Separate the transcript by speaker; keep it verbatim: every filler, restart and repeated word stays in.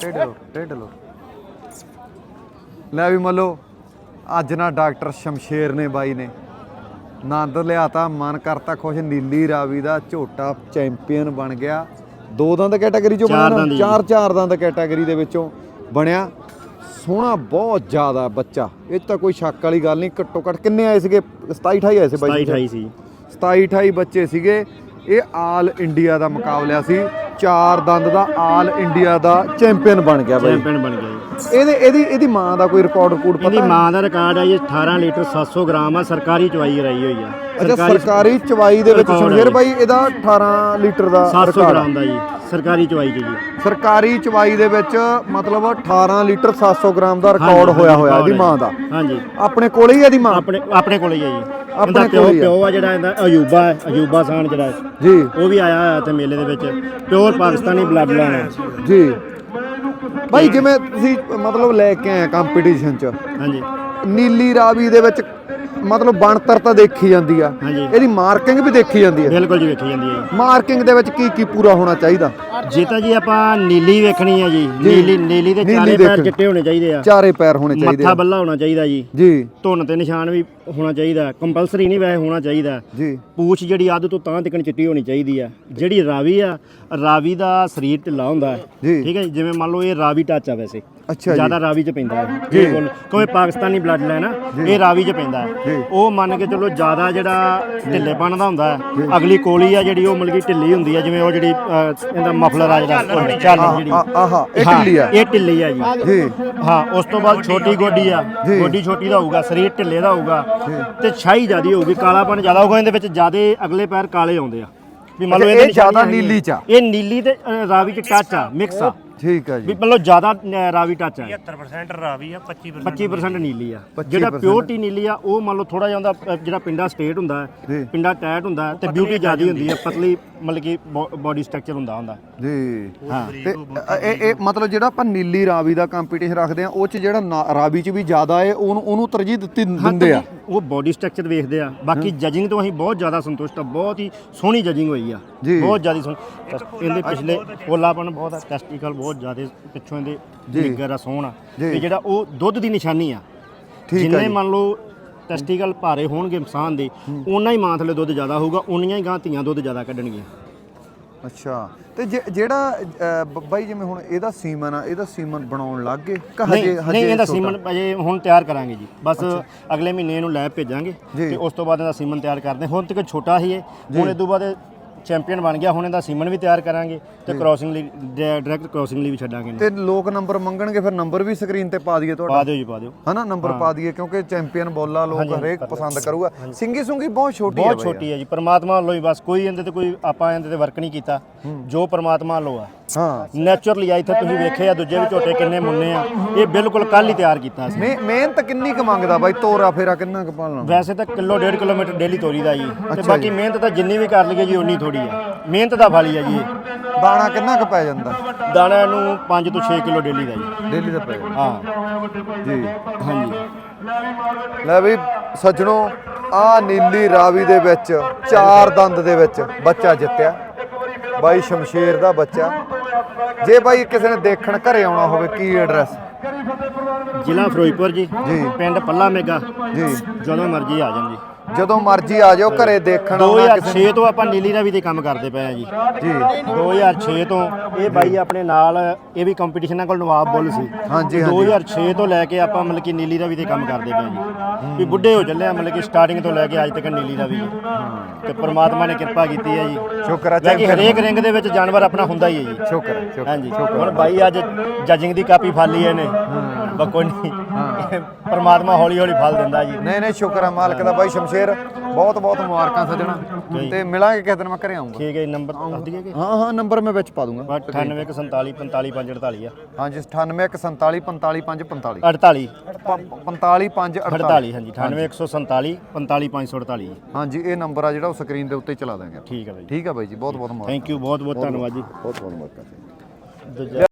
Speaker 1: टेढ़े लो टेढ़े लो ਲੈ ਵੀ ਮੱਲੋ ਅੱਜ ਨਾ ਡਾਕਟਰ ਸ਼ਮਸ਼ੇਰ ਨੇ ਬਾਈ ਨੇ ਆਨੰਦ ਲਿਆਤਾ ਮਨ ਕਰਤਾ ਖੁਸ਼। ਨੀਲੀ ਰਾਵੀ ਦਾ ਝੋਟਾ ਚੈਂਪੀਅਨ ਬਣ ਗਿਆ। ਦੋ ਦੰਦ ਕੈਟਾਗਰੀ ਚੋਂ ਬਣਿਆ, ਚਾਰ ਚਾਰ ਦੰਦ ਕੈਟਾਗਰੀ ਦੇ ਵਿੱਚੋਂ ਬਣਿਆ। ਸੋਹਣਾ ਬਹੁਤ ਜ਼ਿਆਦਾ ਬੱਚਾ, ਇਹ ਤਾਂ ਕੋਈ ਸ਼ੱਕ ਵਾਲੀ ਗੱਲ ਨਹੀਂ। ਘੱਟੋ ਘੱਟ ਕਿੰਨੇ ਆਏ ਸੀਗੇ? ਸਤਾਈ ਅਠਾਈ ਆਏ ਸੀ ਬਾਈ।
Speaker 2: ਸਤਾਈ ਅਠਾਈ ਸੀ,
Speaker 1: ਸਤਾਈ ਅਠਾਈ ਬੱਚੇ ਸੀਗੇ। ਇਹ ਆਲ ਇੰਡੀਆ ਦਾ ਮੁਕਾਬਲਾ ਸੀ। ਚਾਰ ਦੰਦ ਦਾ ਆਲ ਇੰਡੀਆ ਦਾ ਚੈਂਪੀਅਨ ਬਣ ਗਿਆ ਬਾਈ।
Speaker 2: ਚੈਂਪੀਅਨ ਬਣ ਗਿਆ ਜੀ।
Speaker 1: ਇਹਦੇ ਇਹਦੀ ਇਹਦੀ ਮਾਂ ਦਾ ਕੋਈ ਰਿਕਾਰਡ ਰਿਕਾਰਡ ਪਤਾ?
Speaker 2: ਇਹਦੀ ਮਾਂ ਦਾ ਰਿਕਾਰਡ ਹੈ ਜੀ ਅਠਾਰਾਂ ਲੀਟਰ ਸੱਤ ਸੌ ਗ੍ਰਾਮ ਆ। ਸਰਕਾਰੀ ਚਵਾਈ ਕਰਾਈ ਹੋਈ ਆ।
Speaker 1: ਅੱਛਾ, ਸਰਕਾਰੀ ਚਵਾਈ ਦੇ ਵਿੱਚ ਸ਼ਮਸ਼ੇਰ ਬਾਈ ਇਹਦਾ ਅਠਾਰਾਂ ਲੀਟਰ ਦਾ
Speaker 2: ਸੱਤ ਸੌ ਗ੍ਰਾਮ ਦਾ ਜੀ ਸਰਕਾਰੀ ਚਵਾਈ 'ਚ ਜੀ।
Speaker 1: ਸਰਕਾਰੀ ਚਵਾਈ ਦੇ ਵਿੱਚ ਮਤਲਬ ਅਠਾਰਾਂ ਲੀਟਰ ਸੱਤ ਸੌ ਗ੍ਰਾਮ ਦਾ ਰਿਕਾਰਡ ਹੋਇਆ ਹੋਇਆ ਇਹਦੀ ਮਾਂ ਦਾ।
Speaker 2: ਹਾਂਜੀ,
Speaker 1: ਆਪਣੇ ਕੋਲੇ ਹੀ ਇਹਦੀ ਮਾਂ?
Speaker 2: ਆਪਣੇ ਆਪਣੇ ਕੋਲੇ ਹੀ ਆ ਜੀ।
Speaker 1: ਆਪਣੇ
Speaker 2: ਪਿਓ ਪਿਓ ਆ ਜਿਹੜਾ ਇਹਦਾ ਅਯੂਬਾ ਹੈ, ਅਯੂਬਾ ਖਾਨ ਜਿਹੜਾ
Speaker 1: ਜੀ,
Speaker 2: ਉਹ ਵੀ ਆਇਆ ਹੋਇਆ ਤੇ ਮੇਲੇ ਦੇ ਵਿੱਚ। ਪਿਓਰ ਪਾਕਿਸਤਾਨੀ ਬਲੱਡ ਲਾਈਨ ਹੈ
Speaker 1: ਜੀ। ਬਾਈ ਜਿਵੇਂ ਤੁਸੀਂ ਮਤਲਬ ਲੈ ਕੇ ਆਏ ਕੰਪੀਟੀਸ਼ਨ 'ਚ,
Speaker 2: ਹਾਂਜੀ,
Speaker 1: ਨੀਲੀ ਰਾਵੀ ਦੇ ਵਿੱਚ ਮਤਲਬ ਬਣਤਰ ਤਾਂ ਦੇਖੀ ਜਾਂਦੀ ਆ,
Speaker 2: ਹਾਂਜੀ,
Speaker 1: ਇਹਦੀ ਮਾਰਕਿੰਗ ਵੀ ਦੇਖੀ ਜਾਂਦੀ ਆ।
Speaker 2: ਬਿਲਕੁਲ ਜੀ, ਵੇਖੀ ਜਾਂਦੀ ਹੈ।
Speaker 1: ਮਾਰਕਿੰਗ ਦੇ ਵਿੱਚ ਕੀ ਕੀ ਪੂਰਾ ਹੋਣਾ ਚਾਹੀਦਾ?
Speaker 2: ਜੇ ਤਾਂ ਜੀ ਆਪਾਂ ਨੀਲੀ ਵੇਖਣੀ ਹੈ ਜੀ, ਨੀਲੀ ਨੀਲੀ ਦੇ ਚਾਰੇ ਪੈਰ ਚਿੱਟੇ ਹੋਣੇ ਚਾਹੀਦੇ ਆ।
Speaker 1: ਚਾਰੇ ਪੈਰ ਹੋਣੇ ਚਾਹੀਦੇ ਆ।
Speaker 2: ਮੱਥਾ ਬੱਲਾ ਹੋਣਾ ਚਾਹੀਦਾ ਜੀ।
Speaker 1: ਜੀ।
Speaker 2: ਧੁੰਨ ਤੇ ਨਿਸ਼ਾਨ ਵੀ ਹੋਣਾ ਚਾਹੀਦਾ, ਕੰਪਲਸਰੀ ਨਹੀਂ ਵੈਸੇ ਹੋਣਾ ਚਾਹੀਦਾ
Speaker 1: ਜੀ।
Speaker 2: ਪੂਛ ਜਿਹੜੀ ਅੱਧ ਤੋਂ ਤਾਂ ਤੱਕ ਚਿੱਟੀ ਹੋਣੀ ਚਾਹੀਦੀ ਆ। ਜਿਹੜੀ ਰਾਵੀ ਆ, ਰਾਵੀ ਦਾ ਸਰੀਰ ਢਿੱਲਾ ਹੁੰਦਾ
Speaker 1: ਜੀ।
Speaker 2: ਠੀਕ ਹੈ ਜੀ। ਜਿਵੇਂ ਮੰਨ ਲਓ ਇਹ ਰਾਵੀ ਟੱਚ ਆ, ਵੈਸੇ
Speaker 1: ਅੱਛਾ,
Speaker 2: ਜਿਆਦਾ ਰਾਵੀ 'ਚ ਪੈਂਦਾ ਹੈ ਜੀ। ਕੋਈ ਪਾਕਿਸਤਾਨੀ ਬਲੱਡ ਲਾਈਨ ਆ, ਇਹ ਰਾਵੀ 'ਚ ਪੈਂਦਾ ਹੈ। ਉਹ ਮੰਨ ਕੇ ਚਲੋ ਜਿਆਦਾ ਜਿਹੜਾ ਢਿੱਲੇਪਣ ਦਾ ਹੁੰਦਾ ਹੈ। ਅਗਲੀ ਕੋਲੀ ਆ ਜਿਹੜੀ ਉਹ ਮਤਲਬ ਕਿ ਢਿੱਲੀ ਹੁੰਦੀ ਆ। ਜਿਵੇਂ ਉਹ ਜਿਹੜੀ ਇਹਦਾ ਮਫਲਰ ਆ ਜਿਹੜਾ ਚੱਲ ਜਿਹੜੀ
Speaker 1: ਆਹਾ ਇਹ ਢਿੱਲੀ ਆ,
Speaker 2: ਇਹ ਢਿੱਲੀ ਆ ਜੀ।
Speaker 1: ਜੀ।
Speaker 2: ਹਾਂ, ਉਸ ਤੋਂ ਬਾਅਦ ਛੋਟੀ ਗੋਡੀ ਆ। ਗੋਡੀ ਛੋਟੀ ਦਾ ਹੋਊਗਾ, ਸਰੀਰ ਢਿੱਲੇ ਦਾ ਹੋਊਗਾ ਤੇ ਛਾਈ ਜ਼ਿਆਦੀ ਹੋਊਗੀ, ਕਾਲਾਪਣ ਜ਼ਿਆਦਾ ਹੋਊਗਾ। ਇਹਦੇ ਵਿੱਚ ਜ਼ਿਆਦੇ ਅਗਲੇ ਪੈਰ ਕਾਲੇ ਆਉਂਦੇ ਆ ਵੀ ਮੰਨ ਲਓ
Speaker 1: ਇਹ ਜ਼ਿਆਦਾ ਨੀਲੀ ਚ ਆ।
Speaker 2: ਇਹ ਨੀਲੀ ਤੇ ਅ, ਰਾਵੀ ਚ ਟੱਚ ਆ, ਮਿਕਸ ਆ।
Speaker 1: ਠੀਕ ਆ ਜੀ।
Speaker 2: ਵੀ ਮਤਲਬ ਜ਼ਿਆਦਾ ਅ, ਰਾਵੀ ਟੱਚ ਆ।
Speaker 3: ਪਝੱਤਰ ਪਰਸੈਂਟ ਰਾਵੀ ਆ, ਪੱਚੀ
Speaker 2: ਪੱਚੀ ਪਰਸੈਂਟ ਨੀਲੀ ਆ। ਜਿਹੜਾ ਪਿਓਰਟੀ ਨੀਲੀ ਆ ਉਹ ਮੰਨ ਲਓ ਥੋੜਾ ਜਿਹਾ ਉਹਦਾ ਜਿਹੜਾ ਪਿੰਡਾ ਸਟੇਟ ਹੁੰਦਾ ਹੈ, ਪਿੰਡਾ ਟੈਟ ਹੁੰਦਾ ਹੈ ਤੇ ਬਿਊਟੀ ਜ਼ਿਆਦੀ ਹੁੰਦੀ ਹੈ, ਪਤਲੀ ਮਤਲਬ ਕਿ ਬੋਡੀ ਸਟਰਕਚਰ ਹੁੰਦਾ ਹੁੰਦਾ
Speaker 1: ਜੀ।
Speaker 2: ਹਾਂ,
Speaker 1: ਤੇ ਇਹ ਇਹ ਮਤਲਬ ਜਿਹੜਾ ਆਪਾਂ ਨੀਲੀ ਰਾਵੀ ਦਾ ਕੰਪੀਟੀਸ਼ਨ ਰੱਖਦੇ ਆ, ਉਹ ਚ ਜਿਹੜਾ ਨਾ- ਰਾਵੀ ਚ ਵੀ ਜ਼ਿਆਦਾ ਹੈ, ਉਹਨੂੰ ਉਹਨੂੰ ਤਰਜੀਹ ਦਿੱਤੀ ਦਿੰਦੇ ਆ।
Speaker 2: ਉਹ ਬੋਡੀ ਸਟਰਕਚਰ ਵੇਖਦੇ ਆ। ਬਾਕੀ ਜਜਿੰਗ ਤੋਂ ਅਸੀਂ ਬਹੁਤ ਜ਼ਿਆਦਾ ਸੰਤੁਸ਼ਟ ਆ। ਬਹੁਤ ਹੀ ਸੋਹਣੀ ਜਜਿੰਗ ਹੋਈ ਆ, ਬਹੁਤ ਜ਼ਿਆਦਾ ਸੋਹਣੀ। ਇਹਦੇ ਪਿਛਲੇ ਪੋਲਾਪਨ ਬਹੁਤ ਆ, ਟੈਸਟੀਕਲ ਬਹੁਤ ਜ਼ਿਆਦਾ ਪਿੱਛੋਂ ਇਹਦੇ ਨਿੱਗਰ ਆ, ਸੋਹਣਾ। ਤੇ ਜਿਹੜਾ ਉਹ ਦੁੱਧ ਦੀ ਨਿਸ਼ਾਨੀ ਆ। ਜਿੰਨੇ ਮੰਨ ਲਓ ਟੈਸਟੀਕਲ ਭਾਰੇ ਹੋਣਗੇ ਇਨਸਾਨ ਦੇ, ਉਨਾ ਹੀ ਮਾਂ ਥਲੇ ਦੁੱਧ ਜ਼ਿਆਦਾ ਹੋਊਗਾ, ਉਨੀਆਂ ਹੀ ਗਾਂ ਧੀਆਂ ਦੁੱਧ ਜ਼ਿਆਦਾ ਕੱਢਣਗੀਆਂ।
Speaker 1: ਅੱਛਾ, ਤੇ ਜਿਹੜਾ ਬਾਈ ਜਿਵੇਂ ਹੁਣ ਇਹਦਾ ਸੀਮਨ ਆ, ਇਹਦਾ ਸੀਮਨ ਬਣਾਉਣ ਲੱਗ ਗਏ?
Speaker 2: ਨਹੀਂ ਨਹੀਂ, ਇਹਦਾ ਸੀਮਨ ਅਜੇ ਹੁਣ ਤਿਆਰ ਕਰਾਂਗੇ ਜੀ। ਬਸ ਅਗਲੇ ਮਹੀਨੇ ਇਹਨੂੰ ਲੈਬ ਭੇਜਾਂਗੇ ਤੇ ਉਸ ਤੋਂ ਬਾਅਦ ਇਹਦਾ ਸੀਮਨ ਤਿਆਰ ਕਰਦੇ। ਹੁਣ ਤੱਕ ਛੋਟਾ ਹੀ ਹੈ, ਹੁਣ ਇਹ ਤੋਂ ਬਾਅਦ ਚੈਂਪੀਅਨ ਬਣ ਗਿਆ। ਹੁਣ ਇਹਦਾ ਸੀਮਨ ਵੀ ਤਿਆਰ ਕਰਾਂਗੇ ਤੇ ਕ੍ਰੋਸਿੰਗ ਲਈ ਡਾਇਰੈਕਟ ਕ੍ਰੋਸਿੰਗ ਲਈ ਵੀ ਛੱਡਾਂਗੇ।
Speaker 1: ਤੇ ਲੋਕ ਨੰਬਰ ਮੰਗਣਗੇ, ਫਿਰ ਨੰਬਰ ਵੀ ਸਕਰੀਨ ਤੇ ਪਾ ਦਈਏ ਤੁਹਾਡਾ?
Speaker 2: ਪਾ ਦਿਓ ਜੀ, ਪਾ ਦਿਓ
Speaker 1: ਹਨਾ, ਨੰਬਰ ਪਾ ਦਈਏ ਕਿਉਂਕਿ ਚੈਂਪੀਅਨ ਬੋਲਾ ਲੋਕ ਹਰੇਕ ਪਸੰਦ ਕਰੂਗਾ। ਸਿੰਗੀ ਸੁੰਗੀ ਬਹੁਤ ਛੋਟੀ ਹੈ,
Speaker 2: ਬਹੁਤ ਛੋਟੀ ਹੈ ਜੀ। ਪਰਮਾਤਮਾ ਵੱਲੋਂ ਹੀ ਬਸ, ਕੋਈ ਇਹਦੇ ਤੇ ਕੋਈ ਆਪਾਂ ਇਹਦੇ ਤੇ ਵਰਕ ਨਹੀਂ ਕੀਤਾ, ਜੋ ਪਰਮਾਤਮਾ ਵੱਲੋਂ ਆ।
Speaker 1: ਹਾਂ,
Speaker 2: ਨੈਚੁਰਲੀ ਆ। ਇੱਥੇ ਤੁਸੀਂ ਵੇਖੇ ਆ ਦੂਜੇ ਵੀ ਝੋਟੇ ਕਿੰਨੇ ਮੁੰਨੇ ਆ, ਇਹ ਬਿਲਕੁਲ ਕੱਲ ਹੀ ਤਿਆਰ ਕੀਤਾ ਸੀ।
Speaker 1: ਮਿਹਨਤ ਕਿੰਨੀ ਕੁ ਮੰਗਦਾ ਬਾਈ? ਤੋਰਾ ਫੇਰਾ ਕਿੰਨਾ ਕੁ ਪਾਲਣਾ?
Speaker 2: ਵੈਸੇ ਤਾਂ ਕਿਲੋ ਡੇਢ ਕਿਲੋਮੀਟਰ ਡੇਲੀ ਤੋਰੀਦਾ ਜੀ, ਤੇ ਬਾਕੀ ਮਿਹਨਤ ਤਾਂ ਜਿੰਨੀ ਵੀ ਕਰ ਲਈਏ ਜੀ ਉਨੀ ਥੋੜੀ ਆ। ਮਿਹਨਤ ਦਾ ਫਲ ਹੀ ਆ ਜੀ ਇਹ।
Speaker 1: ਦਾਣਾ ਕਿੰਨਾ ਕੁ ਪੈ ਜਾਂਦਾ?
Speaker 2: ਦਾਣਾ ਨੂੰ ਪੰਜ ਤੋਂ ਛੇ ਕਿਲੋ ਡੇਲੀ ਦਾ ਜੀ।
Speaker 1: ਡੇਲੀ ਦਾ ਪੈ ਜਾਂਦਾ?
Speaker 2: ਹਾਂ
Speaker 1: ਜੀ,
Speaker 2: ਹਾਂਜੀ।
Speaker 1: ਲੈ ਵੀ ਸੱਜਣੋ, ਆ ਨੀਲੀ ਰਾਵੀ ਦੇ ਵਿੱਚ ਚਾਰ ਦੰਦ ਦੇ ਵਿੱਚ ਬੱਚਾ ਜਿੱਤਿਆ ਬਾਈ ਸ਼ਮਸ਼ੇਰ ਦਾ ਬੱਚਾ। ਜੇ ਬਾਈ ਕਿਸੇ ਨੇ ਦੇਖਣ ਘਰੇ ਆਉਣਾ ਹੋਵੇ, ਕੀ ਐਡਰੈਸ?
Speaker 2: ਜ਼ਿਲ੍ਹਾ ਫਿਰੋਜ਼ਪੁਰ ਜੀ, ਪਿੰਡ ਪੱਲਾ ਮੇਗਾ
Speaker 1: ਜੀ।
Speaker 2: ਜਦੋਂ ਮਰਜ਼ੀ ਆ ਜਾਣ ਜੀ,
Speaker 1: ਜਦੋਂ ਮਰਜ਼ੀ ਆ ਜਾਓ ਘਰੇ ਦੇਖਣ।
Speaker 2: ਦੋ ਹਜ਼ਾਰ ਛੇ ਤੋਂ ਆਪਾਂ ਨੀਲੀ ਰਾਵੀ ਤੇ ਕੰਮ ਕਰਦੇ ਪਏ ਆ ਜੀ।
Speaker 1: ਜੀ,
Speaker 2: ਦੋ ਹਜ਼ਾਰ ਛੇ ਤੋਂ ਇਹ ਬਾਈ ਆਪਣੇ ਨਾਲ, ਇਹ ਵੀ ਕੰਪੀਟੀਸ਼ਨਾਂ ਕੋਲ ਨਵਾਬ ਬੁੱਲ ਸੀ।
Speaker 1: ਹਾਂਜੀ
Speaker 2: ਦੋ ਹਜ਼ਾਰ ਛੇ ਤੋਂ ਲੈ ਕੇ ਆਪਾਂ ਮਤਲਬ ਕਿ ਨੀਲੀ ਰਾਵੀ ਤੇ ਕੰਮ ਕਰਦੇ ਪਏ ਜੀ। ਵੀ ਬੁੱਢੇ ਹੋ ਚੱਲੇ ਆ, ਮਤਲਬ ਕਿ ਸਟਾਰਟਿੰਗ ਤੋਂ ਲੈ ਕੇ ਅੱਜ ਤੱਕ ਨੀਲੀ ਰਾਵੀ ਤੇ ਪ੍ਰਮਾਤਮਾ ਨੇ ਕਿਰਪਾ ਕੀਤੀ ਹੈ ਜੀ।
Speaker 1: ਸ਼ੁਕਰ ਹੈ
Speaker 2: ਕਿ ਹਰੇਕ ਰਿੰਗ ਦੇ ਵਿੱਚ ਜਾਨਵਰ ਆਪਣਾ ਹੁੰਦਾ ਹੀ ਹੈ ਜੀ।
Speaker 1: ਸ਼ੁਕਰ ਹੈ, ਸ਼ੁਕਰ।
Speaker 2: ਹਾਂਜੀ, ਹੁਣ ਬਾਈ ਅੱਜ ਜਜਿੰਗ ਦੀ ਕਾਪੀ ਫਾਲੀ ਇਹਨੇ, ਬਕੋ ਨਹੀਂ, ਪਰਮਾਤਮਾ ਹੌਲੀ ਹੌਲੀ ਫਲ ਦਿੰਦਾ ਜੀ।
Speaker 1: ਨਹੀਂ ਨਹੀਂ, ਸ਼ੁਕਰ ਹੈ ਮਾਲਕ ਦਾ। ਬਾਈ ਸ਼ਮਸ਼ੇਰ ਬਹੁਤ ਬਹੁਤ ਮੁਬਾਰਕਾਂ ਸੱਜਣਾ, ਤੇ ਮਿਲਾਂਗੇ ਕਿਸੇ ਦਿਨ, ਮੈਂ ਘਰੇ ਆਉਂਗਾ।
Speaker 2: ਠੀਕ ਹੈ ਜੀ, ਨੰਬਰ ਦੱਸ ਦਈਏ ਕਿ?
Speaker 1: ਹਾਂ ਹਾਂ, ਨੰਬਰ ਮੈਂ ਵਿੱਚ ਪਾ ਦੂੰਗਾ।
Speaker 2: ਅਠਾਨਵੇਂ ਇੱਕ ਸੰਤਾਲੀ ਪੰਤਾਲੀ ਪੰਜ ਅੜਤਾਲੀ ਆ।
Speaker 1: ਹਾਂਜੀ, ਅਠਾਨਵੇਂ ਇੱਕ ਸੰਤਾਲੀ ਪੰਤਾਲੀ ਪੰਜ ਪੰਤਾਲੀ
Speaker 2: ਅੜਤਾਲੀ
Speaker 1: ਪੰਤਾਲੀ ਪੰਜ
Speaker 2: ਅੜਤਾਲੀ। ਹਾਂਜੀ, ਅਠਾਨਵੇਂ ਇੱਕ ਸੌ ਸੰਤਾਲੀ ਪੰਤਾਲੀ ਪੰਜ ਸੌ ਅੜਤਾਲੀ।
Speaker 1: ਹਾਂਜੀ, ਇਹ ਨੰਬਰ ਆ ਜਿਹੜਾ ਉਹ ਸਕਰੀਨ ਦੇ ਉੱਤੇ ਚਲਾ ਦਾਂਗੇ।
Speaker 2: ਠੀਕ ਹੈ ਬਾਈ,
Speaker 1: ਠੀਕ ਹੈ ਬਾਈ ਜੀ, ਬਹੁਤ ਬਹੁਤ ਮੁਬਾਰਕਾਂ।
Speaker 2: ਥੈਂਕ ਯੂ, ਬਹੁਤ ਬਹੁਤ ਧੰਨਵਾਦ ਜੀ।
Speaker 1: ਬਹੁਤ ਬਹੁਤ ਮੁਬਾਰਕਾਂ।